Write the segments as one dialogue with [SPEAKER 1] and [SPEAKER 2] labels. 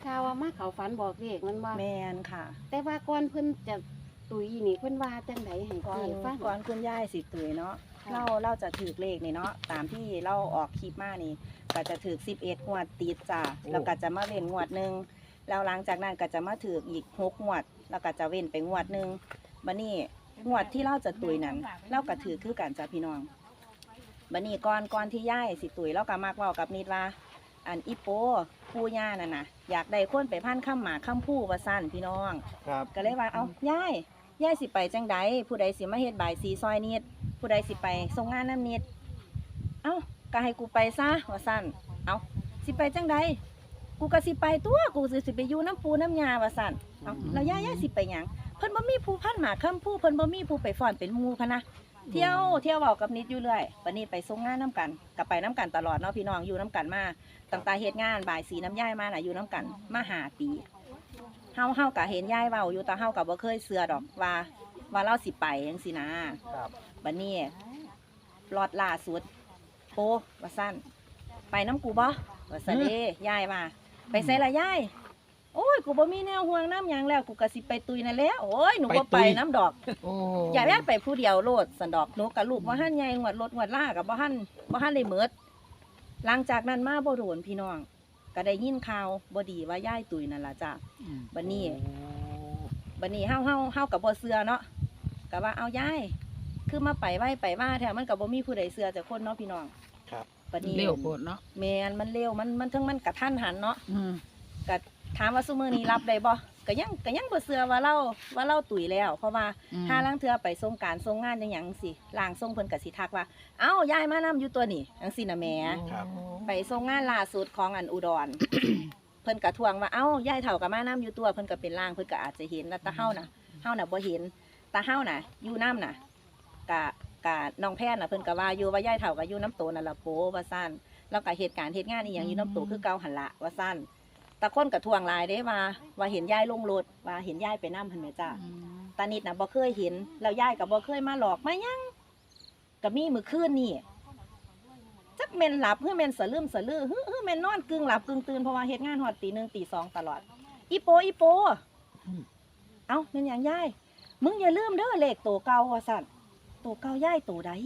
[SPEAKER 1] ข่าวว่ามาเขาฝันบอกเลขมันว่า
[SPEAKER 2] แมนค่ะ
[SPEAKER 1] แต่ว่าก่อนเพิ่นจะตุยนี่เพิ่นว่าจังไดให้
[SPEAKER 2] ก่อน
[SPEAKER 1] เจ๊ฟัง
[SPEAKER 2] ก่อนคุณย่ายสิตุยเนาะ
[SPEAKER 1] ค่ะ
[SPEAKER 2] เราจะถือเลขนี่เนาะตามที่เราออกคลิปมานี่ก็จะถือ11งวดติดจ้ะแล้วก็จะมาเว้นงวดหนึงแล้วหลังจากนั้นก็จะมาถืออีก6งวดแล้วก็จะเว้นไปงวดหนึงบัดนี้งวดที่เราจะตุยนั้นเราก็ถือคือกันจ้ะพี่น้องบัดนี้ก่อนที่ย่ายสิตุยเราก็มักเว้ากับนิดว่า อันอีโปผู้ย่านั่นน่ะอยากได้คนไปพันข้ามหมาข้ามผู้ว่าสั้นพี่น้อง
[SPEAKER 3] ครับ
[SPEAKER 2] ก็เลยว่าเอาย่ายสิไปจังใดผู้ใดสิมาเฮ็ดบ่ายสีซอยนิดผู้ใดสิไปส่งงานน้ำนิดเอ้าก็ให้กูไปซะว่าสั้นเอาสิไปจังใดกูก็สิไปตัวกูสิไปอยู่น้ำปูน้ำยาว่าสั้นเอาแล้วย่ายสิไปหยังเพิ่นบ่มีผู้พันหมาข้ามผู้เพิ่นบ่มีผู้ไปฟ้อนเป็นหมู่พะนะเที่ยวเว้ากับนิดอยู่เรื่อยวันนี้ไปส่งงานน้ำกันก็ไปน้ำกันตลอดเนาะพี่น้องอยู่น้ำกันมาตั้งแต่เฮ็ดงานบ่ายสีน้ำย่ายมาน่ะอยู่น้ำกันมา5 ปีเฮาก็เห็นย่ายเว้าอยู่แต่เฮาก็บ่เคยเชื่อดอกว่าเราสิไปจังซี่นะครับ บัดนี้รอดล่าสุดโปว่าซั่นไปน้ำกูบ่ว่าซั่นเด้ย่ายว่าไปไสล่ะย่ายโอ้ยกูบ่มีแนวห่วงน้ำหยังแล้วกูก็สิไปตุยนั่นแหละโอ้ยหนูบ่ไปน้ำดอก
[SPEAKER 3] โอ้
[SPEAKER 2] อย่าแม่ไปผู้เดียวโลดสันดอกหนูกับลูกว่าหันใหญ่งวดรถงวดล่ากับบ่หันได้เมิดหลังจากนั้นมาบ่โดนพี่น้องก็ได้ยินข่าวบ่ดีว่าย่ายตุยนั่นล่ะจ้ะบัดนี้เฮากับบ่เชื่อเนาะก็ว่าเอาย่ายคือมาไปไว้ไปมาแท้มันก็บ่มีผู้ใดเชื่อจักคนเนาะพี่น้อง
[SPEAKER 3] ครับ
[SPEAKER 2] บัดนี้
[SPEAKER 4] เร็วโพดเนาะ
[SPEAKER 2] แม่นมันเร็วมันทั้งมันกระทันหันเนาะ
[SPEAKER 4] อืม
[SPEAKER 2] ก็ถามว่าซุมื้อนี้รับได้บ่ก็ยังบ่เชื่อว่าเราตุยแล้วเพราะว่า ถ้าล่างเทือไปส่งการส่งงานจังหยังสิล่างส่งเพิ่นก็สิทักว่าเอ้ายายมานำอยู่ตัวนี่จังซี่นะแหม่
[SPEAKER 3] ครับ
[SPEAKER 2] ไปส่งงานล่าสุดของอันอุดร เพิ่นก็ทวงว่าเอ้ายายเฒ่าก็มานำอยู่ตัวเพิ่นก็เป็นล่างเพิ่นก็อาจจะเห็นแล้วแต่เฮาน่ะบ่เห็นแต่เฮาน่ะอยู่น้ำน่ะกะน้องแพทย์น่ะเพิ่นก็ว่าอยู่ว่ายายเฒ่าก็อยู่น้ำโตนั่นล่ะโปว่าซั่นแล้วก็เหตุการณ์เฮ็ดงานอีหยังอยู่น้ำโตคือเก่าหั่นละว่าซั่นแต่คนก็ทวงหลายเด้ว่าเห็นยายลงรถว่าเห็นยายไปนำหั่นแหมจ้า ตานิดนะบ่เคยเห็นแล้วยายก็บ่เคยมาหลอกมาหยังก็มีมื้อคืนนี่จักแม่นหลับหรือแม่นสะลืมสะลือฮือแม่นนอนกึ่งหลับกึ่งตื่นเพราะว่าเฮ็ดงานฮอดตี 1ตี 2ตลอดอีโปเอ้าแม่นหยังยายมึงอย่าลืมเด้อเลขโตเก่าว่าซั่นโตเก่ายายโตใด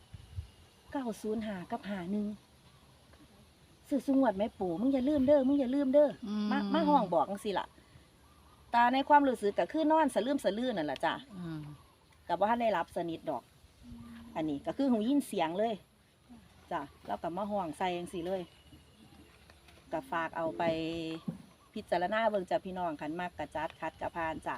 [SPEAKER 2] 905กับ51ซื้อสุงวดแม่ปู่มึงอย่าลืมเด้อมาห้องบอกจังซี่ล่ะตาในความรู้สึกก็คือนอนสะลืมสะลือนั่นล่ะจ้ะ กับว่าได้รับสนิทดอก อันนี้ก็คือหูยินเสียงเลยจ้ะแล้วกับมาห่วงใส่ยังสิเลยกับฝากเอาไปพิจารณาเบิ่งจ้ะพี่น้องขันมากกระจัดคัดกระพานจ้ะ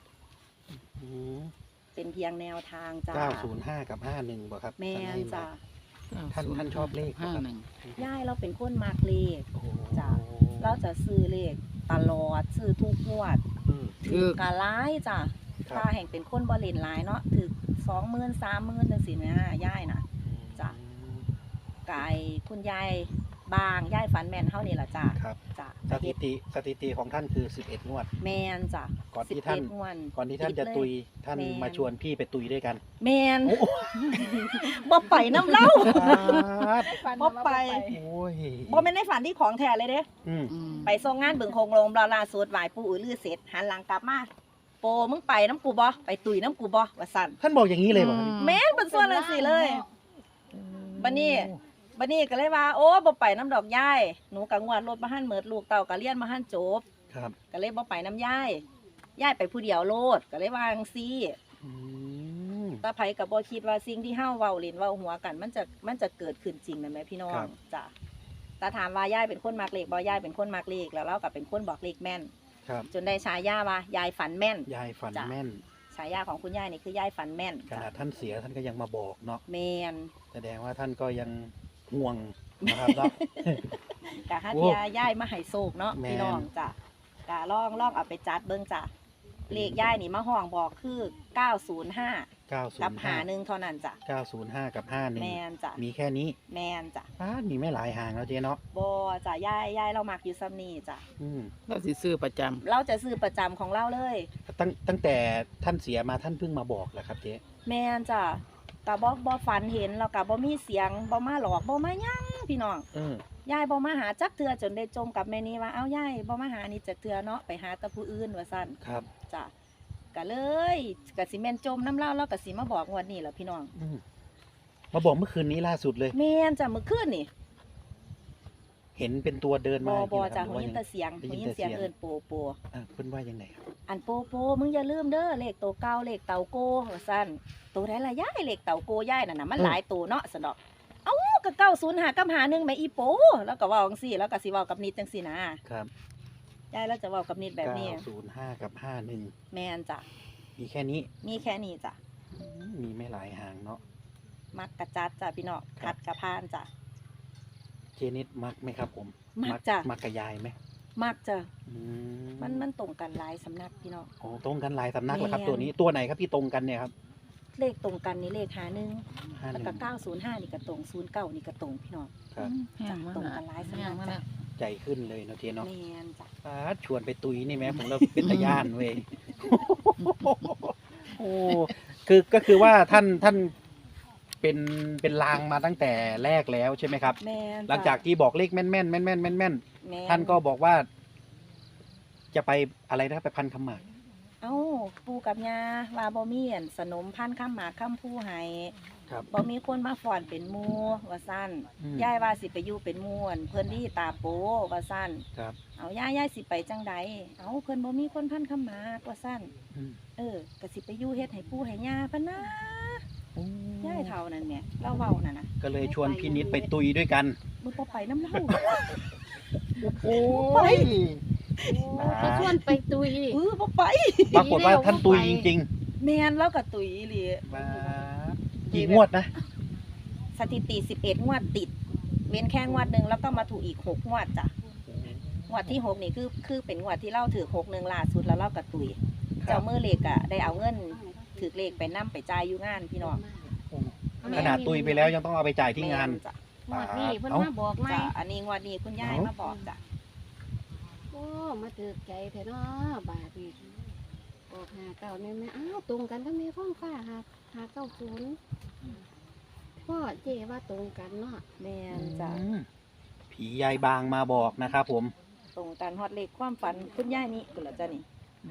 [SPEAKER 2] เป็นเพียงแนวทางจ้ะ
[SPEAKER 3] 905 กับ 51บ่ครับ
[SPEAKER 2] แม่นจ้ะ
[SPEAKER 3] ท่านชอบเลขบ่ครับ
[SPEAKER 2] ย่ายเราเป็นคนมากเลข
[SPEAKER 3] โอ้
[SPEAKER 2] จ้ะ เราจะซื้อเลขตลอดซื้อทุกงวด
[SPEAKER 3] อืม
[SPEAKER 4] ถือก
[SPEAKER 2] ะร้ายจ้ะ
[SPEAKER 3] ครับ
[SPEAKER 2] ถ้าแห่งเป็นคนบ่เล่นหลายเนาะถึก20,000 30,000จังซี่นะย่ายน่ะ จ้ะ กายคุณยายบางยายฝันแม่นเฮานี่ล่ะจ้ะ
[SPEAKER 3] ครับ
[SPEAKER 2] จ้ะ
[SPEAKER 3] สถิติของท่านคือ11งวด
[SPEAKER 2] แม่นจ้ะ
[SPEAKER 3] ก่อนที่ท่าน
[SPEAKER 2] 11งวด
[SPEAKER 3] ก่อนที่ท่านจะตุยท่าน
[SPEAKER 2] แม่น
[SPEAKER 3] มาชวนพี่ไปตุยด้วยกัน
[SPEAKER 2] แม่นบ่ไปน้ำเล่า บ่ไป
[SPEAKER 3] โอ้ย
[SPEAKER 2] บ่แม่นในฝันที่ของแท้เลยเด้
[SPEAKER 3] อืม
[SPEAKER 2] ไปส่งงานเบิ่งโคงโรงล่าสุดไหว้ปู่อือลือเสร็จหันหลังกลับมาโปมึงไปน้ำกูบ่ไปตุยน้ำกูบ่ว่าซั่น
[SPEAKER 3] ท่านบอกอย่างนี้เลยเหรอครับ
[SPEAKER 2] แม่นเป็นส่วนจังซี่เลยบัดนี้ก็เลยว่าโอ้บ่ไปน้ำดอกยายหนูก็งวดรถบ่ทันเมิดลูกเต้าก็เรียนบ่ทันจบ
[SPEAKER 3] ครับ
[SPEAKER 2] ก็เลยบ่ไปน้ำยายไปผู้เดียวโลดก็เลยวาจั่งซี่
[SPEAKER 3] อืม
[SPEAKER 2] ตาไผก็บ่คิดว่าสิ่งที่เฮาเว้าเล่นเว้าหัวกันมันจะเกิดขึ้นจริงนั่นแหมพี่น้องจ้ะตาถามว่ายายเป็นคนมักเลขบ่ยายเป็นคนมักเลขแล้วเราก็เป็นคนบอกเลขแม่น
[SPEAKER 3] ครับ
[SPEAKER 2] จนได้ฉายาว่ายายฝันแม่น
[SPEAKER 3] ยายฝัน
[SPEAKER 2] จ้ะ
[SPEAKER 3] แม่น
[SPEAKER 2] ฉายาของคุณยายนี่คือยายฝันแม่น
[SPEAKER 3] ขนาดท่านเสียท่านก็ยังมาบอกเนาะ
[SPEAKER 2] แม่น
[SPEAKER 3] แสดงว่าท่านก็ยังห่วงนะครับเนาะ
[SPEAKER 2] กะฮัท
[SPEAKER 3] โอ้
[SPEAKER 2] ยายายมาให้โศกเนาะ
[SPEAKER 3] แม่น
[SPEAKER 2] พี่น้องจ้ะกะลองเอาไปจัดเบิ่งจ้ะเลขยายนี่มาห้องบอกคือ905กับ
[SPEAKER 3] 905
[SPEAKER 2] 51เท่านั้นจ้ะ
[SPEAKER 3] 905 กับ
[SPEAKER 2] แม่นจ้ะ
[SPEAKER 3] 51มีแค่นี้
[SPEAKER 2] แม่นจ้ะ
[SPEAKER 3] มีไม่หลายห่างแล้วเจ๊เนาะ
[SPEAKER 2] บ่จ้ะยายเรามักอยู่ซ้ำนี่จ้ะ
[SPEAKER 3] อืม
[SPEAKER 4] เราสิซื้อประจำ
[SPEAKER 2] เราจะซื้อประจำของเราเลย
[SPEAKER 3] ตั้งแต่ท่านเสียมาท่านเพิ่งมาบอกแหละครับเจ๊
[SPEAKER 2] แม่นจ้ะกะบ่ฝันเห็นแล้วกะบ่มีเสียงบ่มาหลอกบ่มาหยังพี่น้อง ยายบ่มาหาจักเทื่อจนได้จมกับแม่นี้ว่าเอ้ายายบ่มาหานี่จักเทื่อเนาะไปหาแต่ผู้อื่นว่าซั่น
[SPEAKER 3] ครับ
[SPEAKER 2] จ้ะก็เลยก็สิแม่นจมน้ำเล่าแล้วก็สิมาบอกงวดนี้ล่ะพี่น้อง
[SPEAKER 3] มาบอกเมื่อคืนนี้ล่าสุดเลย
[SPEAKER 2] แม่นจ้ะมื้อคืนนี่
[SPEAKER 3] เห็นเป็นตัวเดิน
[SPEAKER 2] บ่
[SPEAKER 3] มา
[SPEAKER 2] บ่
[SPEAKER 3] จริงๆ
[SPEAKER 2] จ้ะ
[SPEAKER 3] ห
[SPEAKER 2] หู
[SPEAKER 3] รือว่า
[SPEAKER 2] ยิ
[SPEAKER 3] ยั
[SPEAKER 2] น
[SPEAKER 3] งไง
[SPEAKER 2] แต่เสียง
[SPEAKER 3] ได้
[SPEAKER 2] หู
[SPEAKER 3] ยิน
[SPEAKER 2] ยิน
[SPEAKER 3] แต่
[SPEAKER 2] เสียง
[SPEAKER 3] เสียง
[SPEAKER 2] เอิ้นโปโป
[SPEAKER 3] เพิ่นว่ายังไงครับ
[SPEAKER 2] อันโปโปมึงอย่าลืมเด้อเลขโตเก่าเลขเต่าโกว่าซั่นโตได้ละยายเลขเต่าโกยายนั่นน่ะมันหลายโตเนาะซั่นดอกเอ้าก็905กับ51แม่อีโปแล้วก็เว้าจังซี่แล้วก็สิเว้ากับนิดจังซี่นะครับ ยายแล้วจะเว้ากับนิดแบบนี้
[SPEAKER 3] 905กับ51
[SPEAKER 2] แม่นจ้ะ
[SPEAKER 3] มีแค่นี้
[SPEAKER 2] มีแค่นี้จ้ะ
[SPEAKER 3] มีไม่หลายหางเนาะ
[SPEAKER 2] มักกะจัดจ้ะพี่น้อง
[SPEAKER 3] ครั
[SPEAKER 2] คั
[SPEAKER 3] บ
[SPEAKER 2] ดกะพานจ้ะ
[SPEAKER 3] เจนิดมักไหมครับผม
[SPEAKER 2] มักจ้ะ
[SPEAKER 3] มักกับยายไหม
[SPEAKER 2] มักจ้ะ
[SPEAKER 3] อื
[SPEAKER 2] มันตรงกันหลายสำนักพี่น้อง
[SPEAKER 3] โอ้ตรงกันหลายสำนักเหรอครับ
[SPEAKER 2] แม่น
[SPEAKER 3] ตัวนี้ตัวไหนครับที่ตรงกันเนี่ยครับ
[SPEAKER 2] เลขตรงกันนี่เลขหาหนึ่ง
[SPEAKER 3] 51
[SPEAKER 2] แล้วก็905นี่ก็ตรง09นี่ก็ตรงพี่น้อง
[SPEAKER 3] ครับ
[SPEAKER 2] จ้ะตรงกันหลายสำนักจ้ะ
[SPEAKER 3] ใจขึ้นเลยเนาะเจเนาะ
[SPEAKER 2] แม่นจ้ะ
[SPEAKER 3] ชวนไปตุยนี่แม้ผมเราเป็นตะย่านเว้ย โอ้ก็คือว่าท่านเป็นลางมาตั้งแต่แรกแล้วใช่ไหมครับ
[SPEAKER 2] แม่นจ้ะ
[SPEAKER 3] หลังจากที่บอกเลขแม่นแม่นแม่นแม่นแม่นแม่น
[SPEAKER 2] แม่
[SPEAKER 3] ท่านก็บอกว่า จะไปอะไรนะไปพันคำหมาก
[SPEAKER 2] เอ้าปู่กับย่าว่าบ่มีอันสนมพันธุ์ข้ามหมากข้ามผู้ให้
[SPEAKER 3] ครับ
[SPEAKER 2] บ่มีคนมาฟ้อนเป็นหมู่ว่าซั่นยายว่าสิไปอยู่เป็นหมู่อั่นเพิ่นที่ตาโปว่าซั่น
[SPEAKER 3] ครับ
[SPEAKER 2] เอายายสิไปจังใดเอาเพิ่นบ่มีคนพันข้ามหมากว่าซั่น
[SPEAKER 3] อืม
[SPEAKER 2] ก็สิไปอยู่เฮ็ดให้ปู่ให้ย่าปะนะยายเฒ่านั่นแหละเล่าเว้านั่นน่ะ
[SPEAKER 3] ก็เลยชวนพี่นิดไปตุยด้วยกัน
[SPEAKER 2] มึงบ่ไปน้ำเล่า
[SPEAKER 3] โอ้
[SPEAKER 2] ย
[SPEAKER 1] เขาชวนไปตุย
[SPEAKER 2] บ่ไป
[SPEAKER 3] ปรากฏว่าท่านตุยจริง
[SPEAKER 2] แม่นแล้วก็ตุ๋ยอีหลี
[SPEAKER 3] ๆมากี่งวดนะ
[SPEAKER 2] สถิติ11งวดติด เว้นแค่งวดหนึงแล้วก็มาถูกอีก6งวดจ้ะงวดที่6นี่คือเป็นงวดที่เล่าถือ61ล่าสุดแล้วเล่ากับตุ๋ย
[SPEAKER 3] ครั
[SPEAKER 2] เจ้า
[SPEAKER 3] บ
[SPEAKER 2] มือเลขอะได้เอาเงินถือเลขไปนํไปจ่ายอยู่งานพี่น้อง
[SPEAKER 3] ขนาดตุยไปแล้วยังต้องเอาไปจ่ายที่งาน
[SPEAKER 2] แม่จ้ะ
[SPEAKER 1] หมดนี่เพิ่น
[SPEAKER 3] เอ้า
[SPEAKER 1] มาบอกไหม
[SPEAKER 2] จ้ะอันนี้งวดนี้คุณยายมาบอกจ้ะ
[SPEAKER 1] โอ้มาถือใจแท้เนาะบาทนี่ออก59แม่แม่อ้าวตรงกันกับแม่ฟ้องฟ้า590พ่อเจว่าตรงกันเนาะ
[SPEAKER 2] แม่นจ้ะ
[SPEAKER 3] ผียายบางมาบอกนะครับผม
[SPEAKER 2] ตรงกันฮอดเลขความฝันคุณยายนี่กุนละจ้ะนี่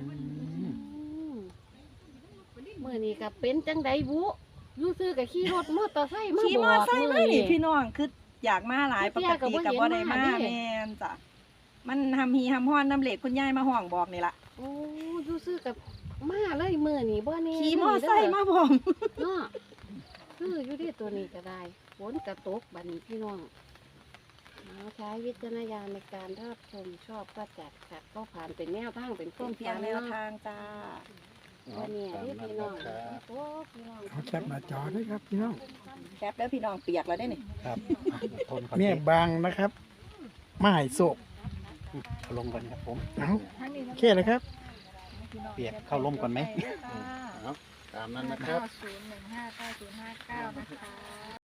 [SPEAKER 1] มื่อนี้ก็เป็นจังไดบุอยู่ซื้อกับขี่รถมอเตอร์ไซค์มา
[SPEAKER 2] ขี่มอไซค์มานี่พี่น้องคืออยากมาหลายปกติกับบ่ได้มาแม่นจ้ะมันทำฮีทำฮ้อนน้ำเหล็กคุณยายมาห้องบอกนี่ล่ะ
[SPEAKER 1] โอ้อยู่ซื้อกับมาเลยมื่อนี้บ่แน่
[SPEAKER 2] ขี่มอไซค์มาพร้อม
[SPEAKER 1] เนาะคืออยู่ที่ตัวนี้ก็ได้ฝนกระตกบัดนี้พี่น้องเอาใช้วิจารณญาณในการรับชมชอบก็จัดขัดก็ผ่านเป็นแนวทางเป็น
[SPEAKER 2] ต้
[SPEAKER 1] ต้
[SPEAKER 2] น
[SPEAKER 1] น
[SPEAKER 2] เพียงแนวทางจ้า
[SPEAKER 1] วันนี้ที่พี่น้องโอ้พี่น้อง
[SPEAKER 4] เอาแคปหน้าจอด้วยครับพี่น้อง
[SPEAKER 2] แคปแล้วพี่น้องเปียกแล้วได้นี่
[SPEAKER 3] ครับทนก่อน
[SPEAKER 4] เมียบางนะครับมาให้โศก
[SPEAKER 3] เอาลงก่อนครับผม
[SPEAKER 4] เอาโอเคเลยครับ
[SPEAKER 3] เปียกเข้าร่มก่อนไหม
[SPEAKER 4] ตามนั้นนะครับ
[SPEAKER 5] 9015909นะคะ